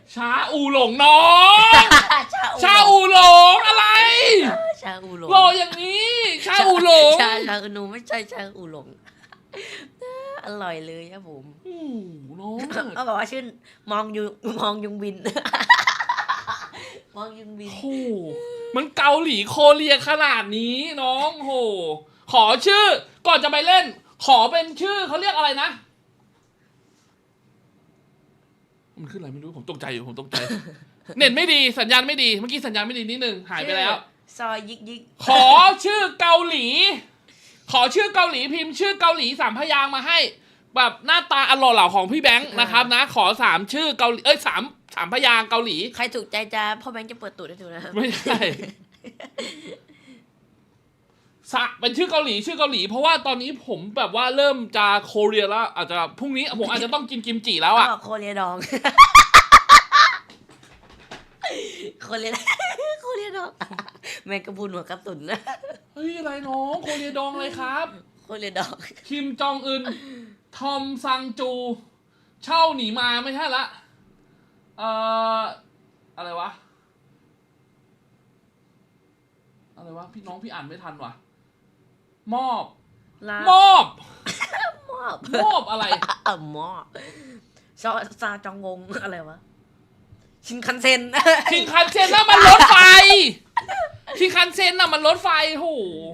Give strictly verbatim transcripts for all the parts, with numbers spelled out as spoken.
ชาอูหลงน้อง ชาอูหลงอะไรชาอูหลงรออย่างนี้ชาอูหลงชาชาอูหนูไม่ใช่ชาอูหลงอร่อยเลยครับผมโอ้น้องเขาบอกว่าชื่อมองยุมองยุงบินมองยุงบินโอ้มันเกาหลีโคเรียขนาดนี้น้องโหขอชื่อก่อนจะไปเล่นขอเป็นชื่อเขาเรียกอะไรนะมันขึ้นอะไรไม่รู้ผมตกใจอยู่ผมตกใจเน็ตไม่ดีสัญญาณไม่ดีเมื่อกี้สัญญาณไม่ดีนิดนึงหายไปแล้วซอยยิกยิกขอชื่อเกาหลีขอชื่อเกาหลีพิมพ์ชื่อเกาหลีสามพยางมาให้แบบหน้าตาอร่อยเหล่าของพี่แบงค์นะครับนะขอสามชื่อเกาหลีเอ้ยสามสามพยางเกาหลีใครถูกใจจะพ่อแบงค์จะเปิดตูดให้ดูนะไม่ใช่สะเป็นชื่อเกาหลีชื่อเกาหลีเพราะว่าตอนนี้ผมแบบว่าเริ่มจะโคเรียแล้วอาจจะพรุ่งนี้ผมอาจจะต้องกินกิมจิแล้วอ่ะโคเรียดองโคเรียโคเรียดองแมงกะพรุนหัวกระสุนนะเฮ้ยอะไรน้องโคเรียดองเลยครับโคเรียดองคิมจองอึนทอมซังจูเช่าหนีมาไม่ใช่ละเอ่ออะไรวะอะไรวะพี่น้องพี่อ่านไม่ทันว่ะมอบมอบมอบมอบอะไรอ่ะมอบซาซาจองงงอะไรวะชินคันเซ็นชินคันเซ็นน่ะมันรถไฟชินคันเซ็นน่ะมันรถไฟโห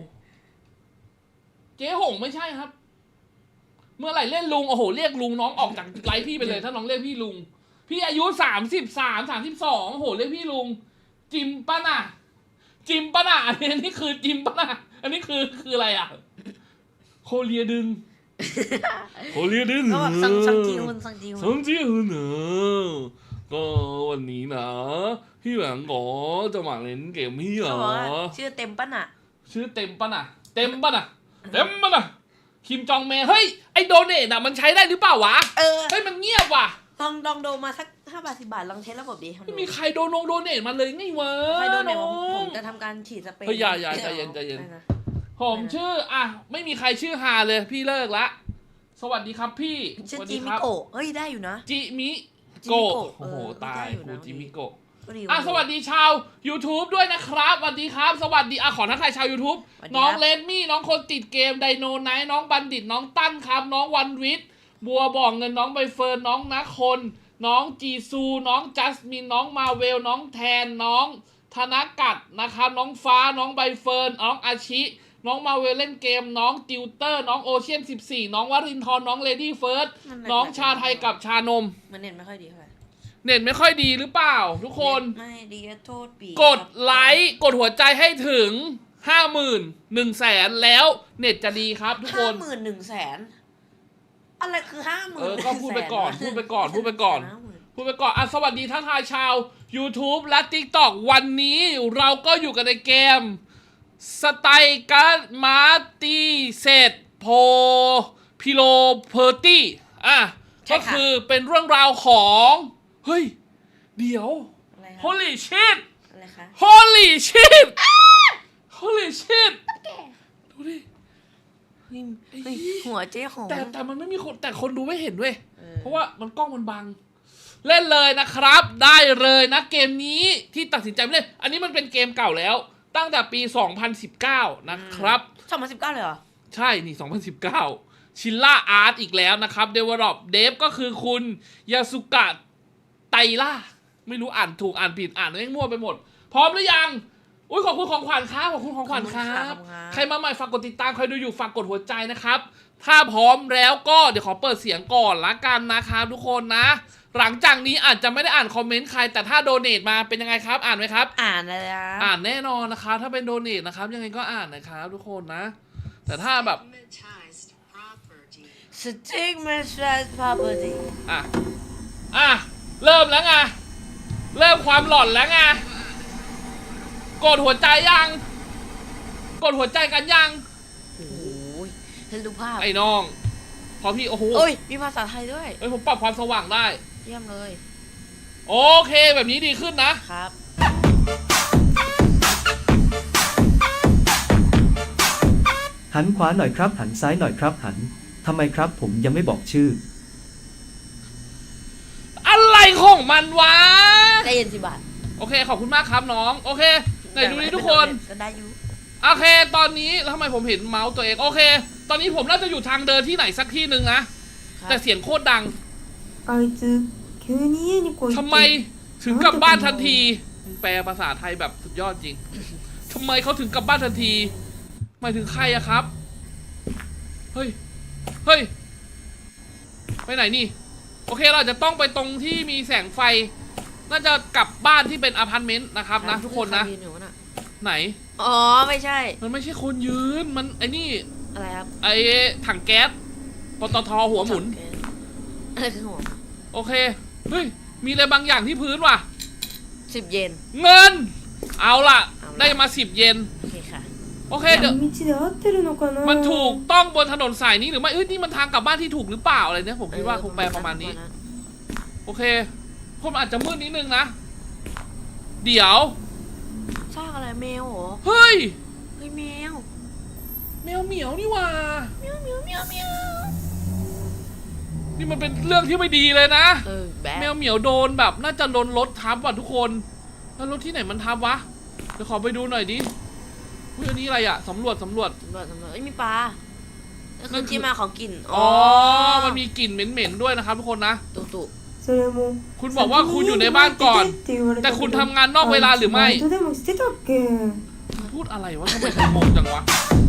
เจ๊หงไม่ใช่ครับเมื่อไหร่เล่นลุงโอ้โหเรียกลุงน้องออกจากไลฟ์พี่ไปเลยถ้าน้องเรียกพี่ลุงพี่อายุสามสิบสามสามสิบสองโอ้โหเรียกพี่ลุงจิมปะน่ะจิมปะน่ะอันนี้นี่คือจิมปะน่ะอันนี้คือคืออะไรอ่ะโคเรียดึงโคเรียดึงก็ซังซังจีฮุนซังจีฮุนซังจีฮุนเนอะก็วันนี้นะพี่แหวงก็จะมาเล่นเกมพี่เหรอชื่อเต็มปะน่ะชื่อเต็มปะน่ะเต็มปะน่ะเต็มปะน่ะคิมจองเมย์เฮ้ยไอโดเนทอ่ะมันใช้ได้หรือเปล่าวะเออเฮ้ยมันเงียบว่ะลองลองโดมาสักห้าบาทสิบบาทลองเทสระบบดีไม่มีใครโดนงโดเนทมาเลยไงวะใครโดเนทผมจะทำการฉีดสเปรย์เฮ้ยอย่าอย่าใจเย็นใจเย็นผมชื่ออ่ะไม่มีใครชื่อฮาเลยพี่เลิกละสวัสดีครับพี่ชื่อจิมิโกะเฮ้ยได้อยู่นะจิมิโกะโอ้โหตายกูจิมิโกะอ่ะสวัสดีชาว YouTube ด้วยนะครับสวัสดีครับสวัสดีอ่ะขอทักทายชาว YouTube น้องเลนมี่น้องคนติดเกมไดโนไนท์น้องบัณฑิตน้องตั้นครับน้องวันวิทย์บัวบ่องเงินน้องใบเฟิร์นน้องนักคนน้องจีซูน้องจัสมินน้องมาเวลน้องแทนน้องธนกัดนะครับน้องฟ้าน้องใบเฟิร์นน้องอาชิน้องมาเวลเล่นเกมน้องติวเตอร์น้องโอเชียนสิบสี่น้องวรินทร์น้องเลดี้เฟิร์สน้องชาไทยกับชานมมันเน็ตไม่ค่อยดีเท่าไหร่เน็ตไม่ค่อยดีหรือเปล่าทุกคนไม่ดีโทษปีกดไลค์กดหัวใจให้ถึงห้าหมื่นหนึ่งแสนแล้วเน็ตจะดีครับทุกคนห้าหมื่นหนึ่งแสนอะไรคือห้าหมื่นเออก็พูดไปก่อนพูดไปก่อนพูดไปก่อนพูดไปก่อนอ่ะสวัสดีทักทายชาว YouTube และ TikTok วันนี้เราก็อยู่กันในเกมสไตการ์ดมาร์ตีเซตโพพิโลเพอร์ตี้อ่ะก็คือเป็นเรื่องราวของเฮ้ยเดี๋ยว Holy shit อะไรคะ Holy shit Holy shit ดูดิหัวเจ๊หงแต่แต่มันไม่มีคนแต่คนดูไม่เห็นด้วยเพราะว่ามันกล้องมันบังเล่นเลยนะครับได้เลยนะเกมนี้ที่ตัดสินใจไม่เล่นอันนี้มันเป็นเกมเก่าแล้วตั้งแต่ปีสองพันสิบเก้านะครับสองพันสิบเก้าเลยเหรอใช่นี่สองพันสิบเก้าชิลล่าอาร์ตอีกแล้วนะครับ Develop Dev ก็คือคุณยาสุกะไตล่าไม่รู้อ่านถูกอ่านผิดอ่านแม่งมั่วไปหมดพร้อมหรือยังอุ้ยขอบคุณของขวัญครับขอบคุณของขวัญครับใครมาใหม่ฝากกดติดตามใครดูอยู่ฝากกดหัวใจนะครับถ้าพร้อมแล้วก็เดี๋ยวขอเปิดเสียงก่อนละกันนะครับทุกคนนะหลังจากนี้อาจจะไม่ได้อ่านคอมเมนต์ใครแต่ถ้าโดเนทมาเป็นยังไงครับอ่านไหมครับอ่านเลยนะอ่านแน่นอนนะครับถ้าเป็นโดเนทนะครับยังไงก็อ่านนะครับทุกคนนะแต่ถ้าแบบ stigmatized property อ่ะอ่ะเริ่มแล้วไงเริ่มความหลอนแล้วไงกดหัวใจยังกดหัวใจกันยังโอ้ยเห็นรูปภาพไอ้น้องพอพี่โอ้โหโอ้ยมีภาษาไทยด้วยเอ้ยผมปรับความสว่างได้เยี่ยมเลยโอเคแบบนี้ดีขึ้นนะครับหันขวาหน่อยครับหันซ้ายหน่อยครับหันทำไมครับผมยังไม่บอกชื่ออะไรของมันวะเย็นสิบาทโอเคขอบคุณมากครับน้องโอเคไหนดูนี่ทุกคนก็ได้อยู่โอเคตอนนี้แล้วทำไมผมเห็นเมาส์ตัวเองโอเค ตอนนี้ผมน่าจะอยู่ทางเดินที่ไหนสักที่หนึ่งนะแต่เสียงโคตรดังあいつ急に家に来いってทำไมถึงกลับบ้านทันทีมึงแปลภาษาไทยแบบสุดยอดจริงทำไมเขาถึงกลับบ้านทันทีหมายถึงใครอะครับเฮ้ยเฮ้ยไปไหนนี่โอเคเราจะต้องไปตรงที่มีแสงไฟน่าจะกลับบ้านที่เป็นอพาร์ตเมนต์นะครับนะทุกคนนะไหนอ๋อไม่ใช่มันไม่ใช่คนยืนมันไอ้นี่อะไรครับไอ้ถังแก๊สปตทหัวหมุนอะไรคือหัวโอเคเฮ้ยมีอะไรบางอย่างที่พื้นว่ะสิบเยนเงินเอาล่ะเอาล่ะได้มาสิบเยนโอเคค่ะโอเคเดี๋ยว道で合ってるのかなมันถูกต้องบนถนนสายนี้หรือไม่เอ้ยนี่มันทางกลับบ้านที่ถูกหรือเปล่าอะไรเนี่ยผมคิดว่าคงแปลประมาณนี้ โอเคผมอาจจะมืดนิดนึงนะเดี๋ยวซากอะไรแมวเหรอเฮ้ยเฮ้ยแมวแมวเหมียวนี่หว่าแมวแมวแมวแมวนี่มันเป็นเรื่องที่ไม่ดีเลยนะเออแบแมวเหมียวโดนแบบน่าจะโดนรถทับว่ะทุกคนแล้วรถที่ไหนมันทับวะเดี๋ยวขอไปดูหน่อยดิอุ้ยอันนี้อะไรอะสำรวจสำรวจตำรวจตำรวจเอ้ยมีปลานั่นนั่คืนอคือที่มาของกลิ่นอ๋อมันมีกลิ่นเหม็นๆด้วยนะครับทุกคนนะตุตุそれもคุณบอกว่าคุณอยู่ในบ้านก่อนって言われแต่たけคุณどทำงานนอกเวลาหรือไม่バイトでもしてたっけพูดอะไรวะทำไมถึงงงจังวะ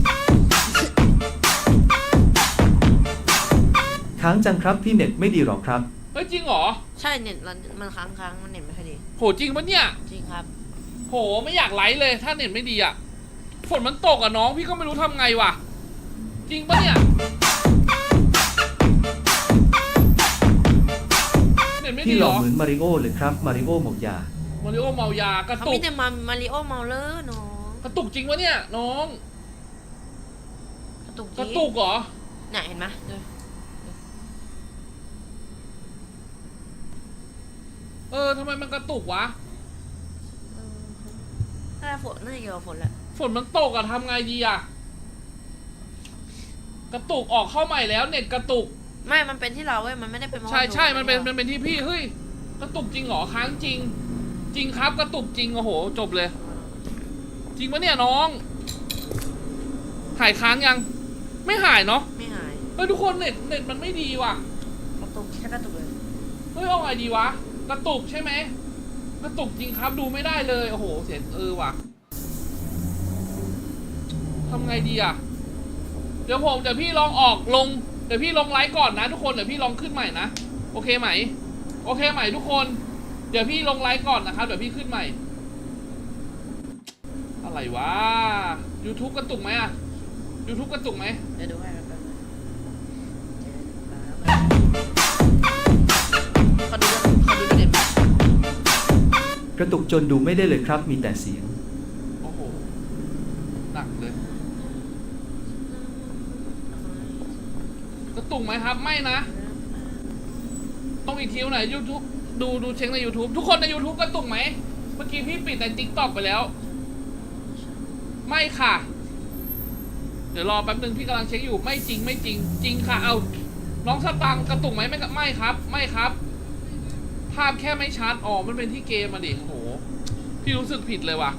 ค้างจังครับพี่เน็ตไม่ดีหรอกครับเฮ้ยจริงเหรอใช่เน็ตมันมันค้างค้างมันเน็ตไม่ค่อยดีโหจริงปะเนี่ยจริงครับโหไม่อยากไลฟ์เลยถ้าเน็ตไม่ดีอะฝนมันตกอะน้องพี่ก็ไม่รู้ทำไงวะจริงปะเนี่ยเน็ตไม่พี่ดีหเหล่รออเหมือนมาริโอเลยครับมาริโอหมกยามาริโอเมายากระเขาตุมีกแต่มามาริโอเมาเลอร์น้องกระตุกจริงวะเนี่ยน้องกระตุกจกริระงตุกเหรอเนี่ยเห็นไหมดูเออทำไมมันกระตุกวะถ้าฝนน่าจะเกี่ยวกับฝนแหละฝนมันตกอะทำไงดีอะกระตุกออกเข้าใหม่แล้วเน็ตกระตุกไม่มันเป็นที่เราเว้ยมันไม่ได้เป็นเพราะใช่ว่าใช่มันเป็นรามันเป็นที่พี่เฮ้ยกระตุกจริงเหรอค้างจริง จริงครับกระตุกจริงโอ้โหจบเลย จริงปะเนี่ยน้องหายค้างยัง ไม่หายเนาะไม่หายเฮ้ยทุกคนเน็ตเน็ตมันไม่ดีว่ะกระตุกแค่กระตุกเลยเฮ้ยเอาไงดีวะกระตุกใช่ไหมกระตุกจริงครับดูไม่ได้เลยโอ้โหเสียงเออว่ะทำไงดีอะเดี๋ยวผมเดี๋ยวพี่ลองออกลงเดี๋ยวพี่ลงไลฟ์ก่อนนะทุกคนเดี๋ยวพี่ลองขึ้นใหม่นะโอเคไหมโอเคไหมทุกคน เดี๋ยวพี่ลงไลฟ์ก่อนนะครับเดี๋ยวพี่ขึ้นใหม่ อะไรวะ YouTube กระตุกไหมอะ YouTube กระตุกไหมเดี๋ยวดูให้ครับขอดูขอดูเด็ดกระตุกจนดูไม่ได้เลยครับมีแต่เสียงโอ้โหหนักเลยกระตุกไหมครับไม่นะต้องอีกทีไหน YouTube ดูดูเช็คใน YouTube ทุกคนใน YouTube กระตุกไหมเมื่อกี้พี่ปิดใน TikTok ไปแล้ว ไม่ค่ะ เดี๋ยวรอแป๊บนึงพี่กำลังเช็คอยู่ไม่จริงไม่จริง จริงค่ะเอาน้องสตังค์กระตุกไหมไม่ไม่ครับ ไม่ครับ ภาพแค่ไม่ชัดอ๋อมันเป็นที่เกมมาดิโอ้โหพี่รู้สึกผิดเลยว่ะ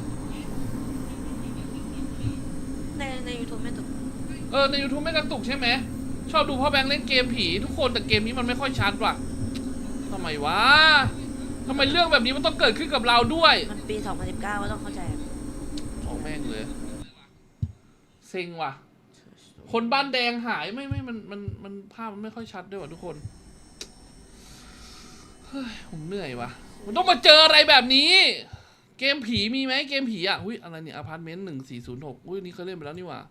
ในในยูทูบไม่ตุกเออใน YouTube ไม่กระตุกใช่ไหมชอบดูพ่อแบงค์เล่นเกมผีทุกคนแต่เกมนี้มันไม่ค่อยชัดว่ะทำไมวะทำไมเรื่องแบบนี้มันต้องเกิดขึ้นกับเราด้วยมันปีสองพันสิบเก้าก็ต้องเข้าใจของแม่งเลยเซ็งว่ะ คนบ้านแดงหายไม่ไม่มันมันมันภาพมันไม่ค่อยชัดด้วยว่ะทุกคนเฮ้ยผมเหนื่อยว่ะมันต้องมาเจออะไรแบบนี้ เกมผีมีไหมเกมผีอ่ะอุ้ยอะไรเนี่ยอพาร์ตเมนต์หนึ่งสี่ศูนย์หกอุ้ยนี่เคยเล่นไปแล้วนี่หว่า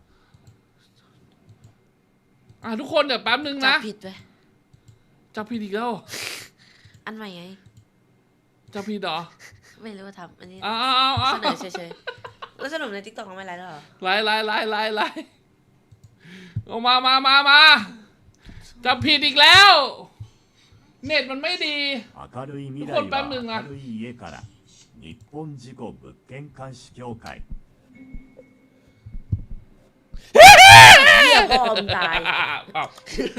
อ่ะทุกคนเดี๋ยวแป๊บนึงจับนะผิดไปจับผิดอีกแล้วอันใหม่ไงจับผิดเหรอไม่รู้ว่าทำอันนี้อ้าวอ้าวอ้าวเสนอเฉยๆแล้วสรุปในทิกตอกเขาไม่ไลฟ์แล้วเหรอไล่ไล่ไล่ไล่ไล่ออกมามามามาจับผิดอีกแล้ว เน็ตมันไม่ดี明るい未来は明るい家から日本事故物件監視協会เหี้ยพ่อมึงตายอ้าว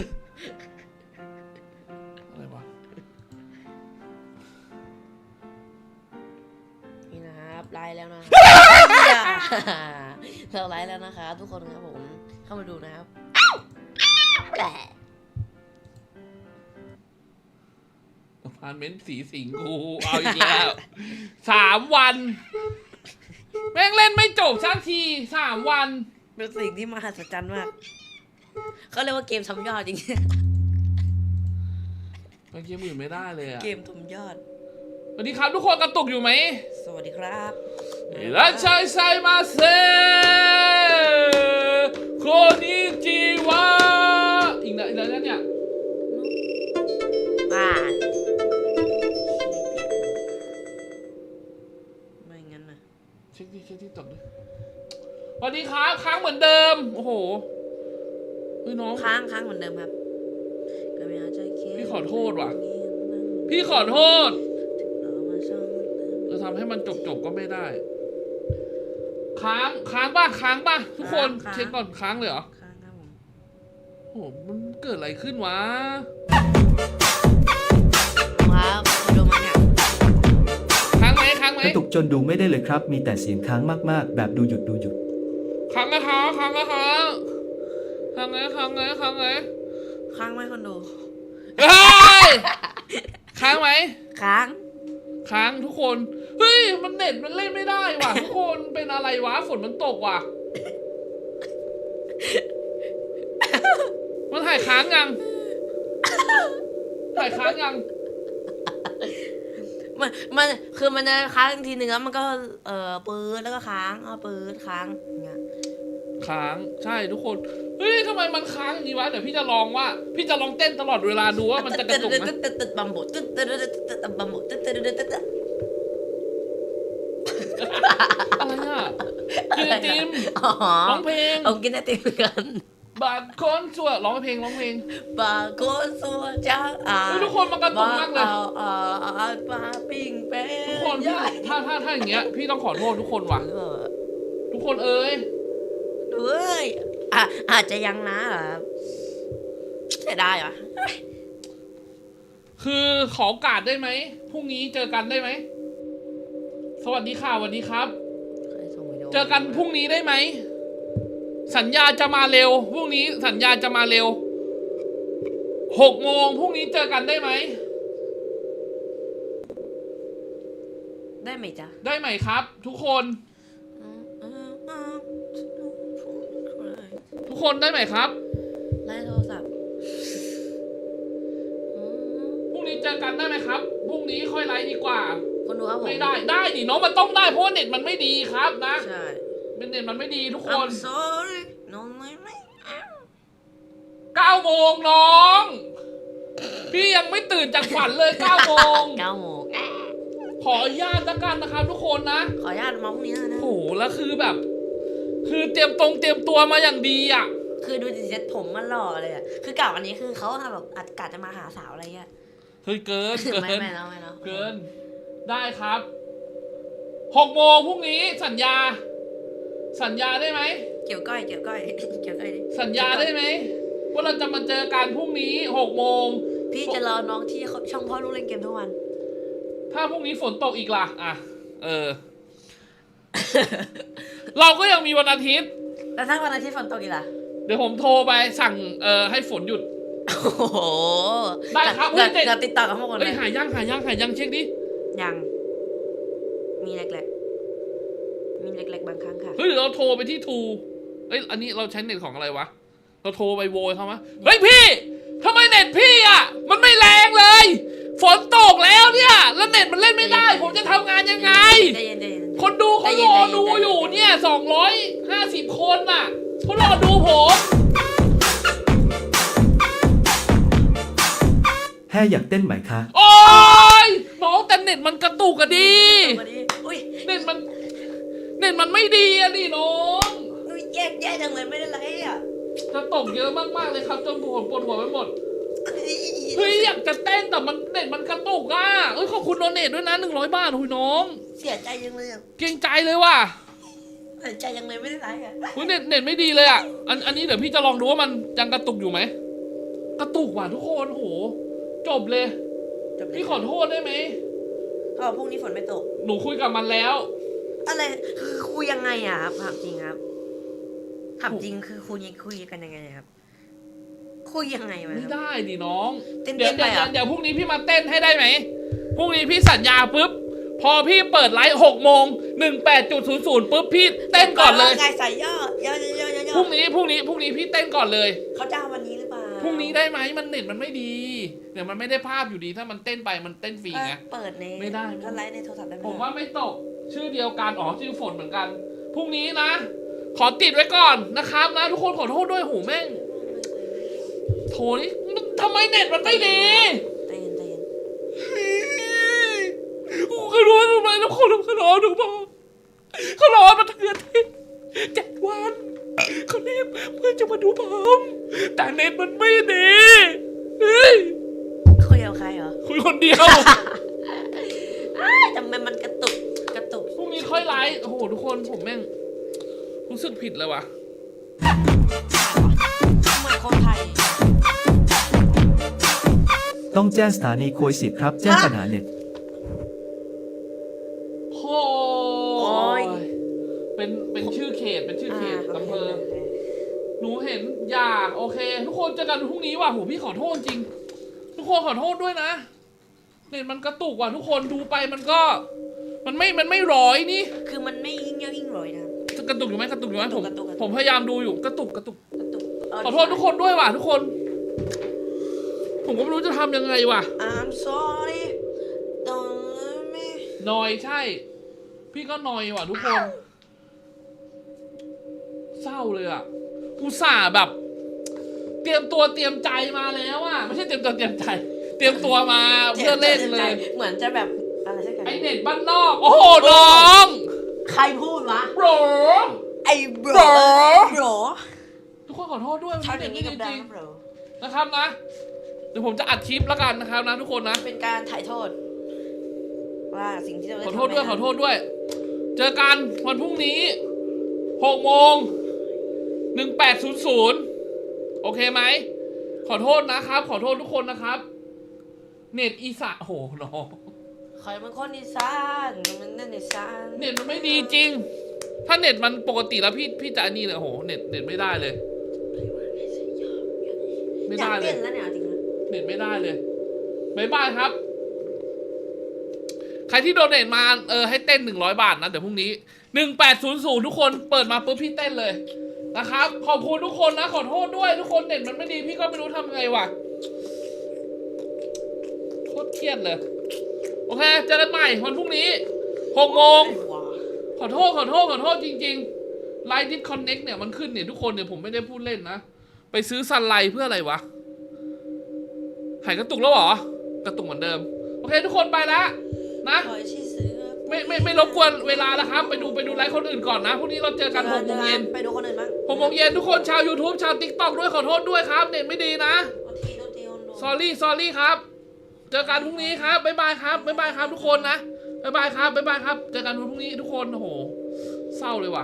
อะไรวะไลฟ์แล้วนะเราไลฟ์แล้วนะครับทุกคนครับผมเข้ามาดูนะครับแหละอพาร์ตเมนต์สีสิงกูเอาอีกแล้วสามวันแม่งเล่นไม่จบสักทีสามวันเป็นสิ่งที่มหัศจรรย์มากเขาเรียกว่าเกมทำยอดจริงไปเกมอื่นไม่ได้เลยอะเกมทำยอดสวัสดีครับทุกคนกระตุกอยู่ไหมสวัสดีครับรัชชัยไซมาเซโคนิจิวะอีกนะอีกแล้วเนี่ยอ่าไม่งั้นนะเช็คดิเช็คที่ตกดิสวัสดีครับค้างเหมือนเดิมโอ้โหเฮ้ยน้องค้างค้างเหมือนเดิมครับก็ไม่อาจจะเคียพี่ขอโทษว่ะ พี่ขอโทษจะทำให้มันจบจบๆก็ไม่ได้ ค้างค้างป่ะค้างป่ะทุกคนเช็คก่อนค้างเลยเหรอค้างครับผมโอ้โหมันเกิดอะไรขึ้นวะครับดูมันเนี่ยค้างไหมค้างไหมกระตุกจนดูไม่ได้เลยครับ มีแต่เสียงค้างมากๆ แบบดูหยุดดูหยุดค้างนะค้างค้างนะค้างค้างไงค้างไงค้างไงค้างไหมคนดูเฮ้ยค้างไหมค้างค้างทุกคนเฮ้ยมันเน็ตมันเล่นไม่ได้ว่ะ ทุกคนเป็นอะไรวะฝนมันตกว่ะ มันถ่ายค้างยังถ่ายค้างยังมันมันคือมันจะค้างทีหนึ่งแล้วมันก็เอ่อปืดแล้วก็ค้างเอาปืดค้างอย่างเงี้ยค้างใช่ทุกคนเฮ้ยทำไมมันค้างอย่างนี้วะเดี๋ยวพี่จะลองว่า พี่จะลองเต้นตลอดเวลาดูว่ามันจะกระตุกไหมตึ๊ดตึ๊ดตึ๊ดบัมโบตึ๊ดตึ๊ดตึ๊ดตึ๊ดบัมโบตึ๊ดตึ๊ดตึ๊ดตึ๊ดอะไรอ่ะกินไอติมอ๋อร้องเพลงเอากินไอติมกันบาดคนชั่วร้องเพลงร้องเพลงบาโกสัวจ้าอ่าเฮ้ยทุกคนมันกระตุกมากเลยเอาเอาเอาปลาปิ้งเป็ดทุกคนพี่ถ้าถ้าถ้าอย่างเงี้ยพี่ต้องขอโทษทุกคนว่ะ ทุกคนเอ้ยเฮ้ยอ่ะอาจจะยังนะเหรอเสียดายเหรอคือขอโอกาสได้ไหมพรุ่งนี้เจอกันได้ไหมสวัสดีค่ะสวัสดีครับเคยส่งวิดีโอเจอกันพรุ่งนี้ได้ไหมสัญญาจะมาเร็วพรุ่งนี้สัญญาจะมาเร็วหกโมงพรุ่งนี้เจอกันได้ไหมได้ไหมจ๊ะได้ไหมครับ ทุกคน ทุกคนได้ไหมครับไล่โทรศัพท์พรุ่งนี้เจอกันได้ไหมครับพรุ่งนี้ค่อยไลฟ์ดีกว่าคนดูครับผมไม่ได้ได้ดิน้องมันต้องได้เพราะว่าเน็ตมันไม่ดีครับนะใช่เป็นเน็ตมันไม่ดีทุกคน I'm sorry น้องไม่ไม่เอาเก้าโมงน้อง พี่ยังไม่ตื่นจากฝันเลยเก้าโมงเก้าโมงขออนุญาตละกันนะครับทุกคนนะขออนุญาตมาพรุ่งนี้นะโอ้โหแล้วคือแบบ คือเตรียมตรงเตรียมตัวมาอย่างดีอ่ะคือดูดิเซ็ตผมมันหล่อเลยอ่ะคือกล่าวอันนี้คือเขาแบบอาจกาจะมาหาสาวอะไรเงี้ยเฮ้ยเกินเกิไม่นไม่แล้วไม่แล้วเกิน ได้ครับหกโมงพรุ่งนี้สัญญา สัญญาได้ไหมเกี่ยวก้อยเกี่ยวก้อยเกี่ยวก้อยดิสัญญาได้ไหมว่าเราจะมาเจอกันพรุ่งนี้หกโมงพี่จะรอน้องที่ช่องพ่อลูกเล่นเกมทุกวันถ้าพรุ่งนี้ฝนตกอีกล่ะ อ่ะ เออ เราก็ยังมีวันอาทิตย์แล้วถ้าวันอาทิตย์ฝนตกอีกล่ะเดี๋ยวผมโทรไปสั่งเอ่อให้ฝนหยุดโอ้โหได้ครับเดี๋ยวเฮ้ยเดี๋ยวติดต่อกับพวกคนเลเอ้ยยหายังหายังหายังเช็คดิยัง มีเล็กๆ มีเล็กๆบางครั้งค่ะเฮ้ยเดี๋ยวเราโทรไปที่ทูเอ้ยอันนี้เราใช้เน็ตของอะไรวะ เราโทรไปโวยเขามะเฮ้ยพี่ทำไมเน็ตพี่อ่ะ มันไม่แรงเลย ฝนตกแล้วเนี่ย แล้วเน็ตมันเล่นไม่ได้ ผมจะทำงานยังไงใจเย็นใจเย็นคนดูเขารอดูอยู่เนี่ยสองร้อยห้าสิบคนน่ะเขารอดูผมแฮ่อยากเต้นไหมคะโอ้ยน้องแต่เน็ตมันกระตุกอะดีมาดิอุ้ยเน็ตมัน เน็ตมันไม่ดีอะดิน้องอุ้ยแย่แย่จังเลยไม่ได้ไรอ่ะจะตกเยอะมากๆเลยครับจนปวดปวดหัวไปหมด เฮ้ยอยากจะเต้นแต่มันเน็ตมันกระตุกอ่ะเอ้ยขอบคุณโดเนทด้วยนะหนึ่งร้อยบาทหุยน้องเสียใจจังเลยอ่ะเกรงใจเลยว่ะเสียใจจังเลยไม่ได้ไรอ่ะหุยเน็ตเน็ตไม่ดีเลยอ่ะอันอันนี้เดี๋ยวพี่จะลองดูว่ามันยังกระตุกอยู่ไหมกระตุกว่ะทุกคนโหจบเลยจบเลยพี่ขอโทษได้ไหมเขาบอกพรุ่งนี้ฝนไม่ตกหนูคุยกับมันแล้วอะไรคือคุยยังไงอ่ะครับถามจริงครับถามจริงคือคุยคุยกันยังไงครับ คุยยังไงวะไม่ครับได้ดิน้องเต้นๆเดี๋ยวไปเดี๋ยวเหรอเดี๋ยวพรุ่งนี้พี่มาเต้นให้ได้ไหมพรุ่งนี้พี่สัญญาปุ๊บพอพี่เปิดไลฟ์หกโมงหนึ่งแปดจุดศูนย์ศูนย์ปุ๊บพี่เต้นก่อนเลยไงใส่ย่อย่อย่อย่อย่อพรุ่งนี้พรุ่งนี้พรุ่งนี้พี่เต้นก่อนเลยเขาจะเอาวันนี้หรือเปล่าพรุ่งนี้ได้ไหมมันเน็ตมันไม่ดีเดี๋ยวมันไม่ได้ภาพอยู่ดีถ้ามันเต้นไปมันเต้นฟรีไงเปิดในไม่ได้ก็ไลฟ์ในโทรศัพท์ได้ไหมผมว่าไม่ตกชื่อเดียวกันอ๋อชื่อฝนเหมือนกันพรุ่งนี้นะ ขอติดไว้ก่อนนะครับนะ ทุกคนขอโทษด้วยหูแม่งโถนี่มันทำไมเน็ตมันไม่ดีใจเย็นใจเย็นกูขอโทษทำไมทุกคนขอโทษหนูบอกเขารอมาเถื่อนที่เจ็ดวันเขาเรียกเพื่อจะมาดูผมแต่เน็ตมันไม่ดีเฮ้ยคุยกับใครเหรอคุยคนเดียวอ้ายทำไมมันกระตุกกระตุกพรุ่งนี้ค่อยไลฟ์โอ้โหทุกคนผมแม่งรู้สึกผิดเลยว่ะเหมือนคนไทยต้องแจ้งสถานีโคยสิบครับ แจ้งปัญหาเน็ตโอ้ยเป็นเป็นชื่อเขตเป็นชื่อเขตอำเภอ หนูเห็นอยากโอเค ทุกคนเจอกันพรุ่งนี้ว่ะโหพี่ขอโทษจริง ทุกคนขอโทษด้วยนะเน็ตมันกระตุกว่ะทุกคนดูไปมันก็ มันไม่มันไม่ร้อยนี่คือมันไม่ยิ่งเยอะยิ่งรอยนะจะกระตุกอยู่ไหมกระตุกอยู่ไหมผมกระตุกกระตุกผมพยายามดูอยู่กระตุกกระตุกกระตุกเขอโทษทุกคนด้วยว่ะทุกคน ผมก็ไม่รู้จะทำยังไงว่ะ I'm sorry don't let me นอยใช่ พี่ก็นอยว่ะทุกคนเศร้าเลยอ่ะอุตส่าห์แบบ เตรียมตัวเตรียมใจมาแล้วอ่ะไม่ใช่เตรียมตัวเตรียมใจ เตรียมตัวมาเพื่อเล่นเลยเหมือนจะแบบอะไรสักอย่างไอเน็ตบ้านนอก โอ้โหน้องใครพูดวะโบรไอ้บร bro บรทุกคนขอโทษด้วยชอบอย่างนี้นี้กับจดัริงงบรๆนะครับนะ เดี๋ยวผมจะอัดคลิปแล้วกันนะครับนะทุกคนนะเป็นการถ่ายโทษ ว่าสิ่งที่เราได้ขอโทษด้วยทำไปขอโทษด้วย เจอกันวันพรุ่งนี้หกโมงหนึ่งแปดศูนย์ศูนย์โอเคไหม ขอโทษนะครับ ขอโทษทุกคนนะครับ เน็ตอีสานโอ้โหน้องใครเป็นคนอีสานมันนั่นอีสานเน็ตมันไม่ดีจริง ถ้าเน็ตมันปกติแล้วพี่พี่จะอันนี้เลยโอ้โหเน็ตเน็ตไม่ได้เลย ไม่อยาได้กเลเต้ยนแล้วเนี่ยจริงนะเน็ตไม่ได้เลยบายบายครับ ใครที่โดเนทมาเออให้เต้นหนึ่งร้อยบาทนะเดี๋ยวพรุ่งนี้หนึ่งแปดศูนย์ศูนย์ทุกคนเปิดมาปุ๊บพี่เต้นเลยนะครับ ขอบคุณทุกคนนะขอโทษด้วยทุกคนเน็ตมันไม่ดีพี่ก็ไม่รู้ทำไงวะโคตรเครียดเลยโอเคเจอกันใหม่วันพรุ่งนี้หกโมงไอ้หว่าขอโทษขอโทษขอโทษจริงๆไลน์ดิสคอนเน็กเนี่ยมันขึ้นเนี่ยทุกคนเนี่ยผมไม่ได้พูดเล่นนะไปซื้อซันไลเพื่ออะไรวะหายกระตุกแล้วเหรอกระตุกเหมือนเดิมโอเคทุกคนไปแล้วนะคอยที่ซื้อไม่ไม่ไม่รบกวนเวลาแล้วครับ ไปดูไปดูไลฟ์คนอื่นก่อนนะพรุ่งนี้เราเจอกันหกโมงเย็นไปดูคนอื่นบ้างหกโมงเย็นทุกคนชาว YouTube ชาว TikTok ด้วยขอโทษด้วยครับเน็ตไม่ดีนะโทษทีโทษทีคนดู s อรี่ s อรี่ครับ เจอกันพรุ่งนี้ครับบ๊ายบายครับบ๊ายบายครับทุกคนนะบ๊ายบายครับบ๊ายบายครับเจอกันพรุ่งนี้ทุกคนโอ้โหเศร้าเลยว่ะ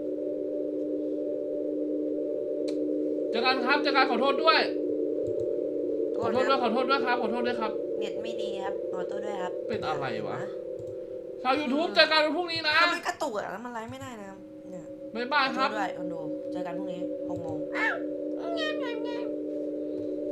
เจอกันครับเจอกันขอโทษด้วยขอโทษด้วยขอโทษด้วยครับขอโทษด้วยครับเน็ตไม่ดีครับขอโทษด้วยครับเป็นอะไรวะ ชาว YouTube เจอกันวันพรุ่งนี้นะถ้ามันกระตุกอะแล้วมันไลฟ์ไม่ได้นะครับเนี่ยบ๊ายบายขอคโทรับษด้วยคนดูเจอกันพรุ่งนี้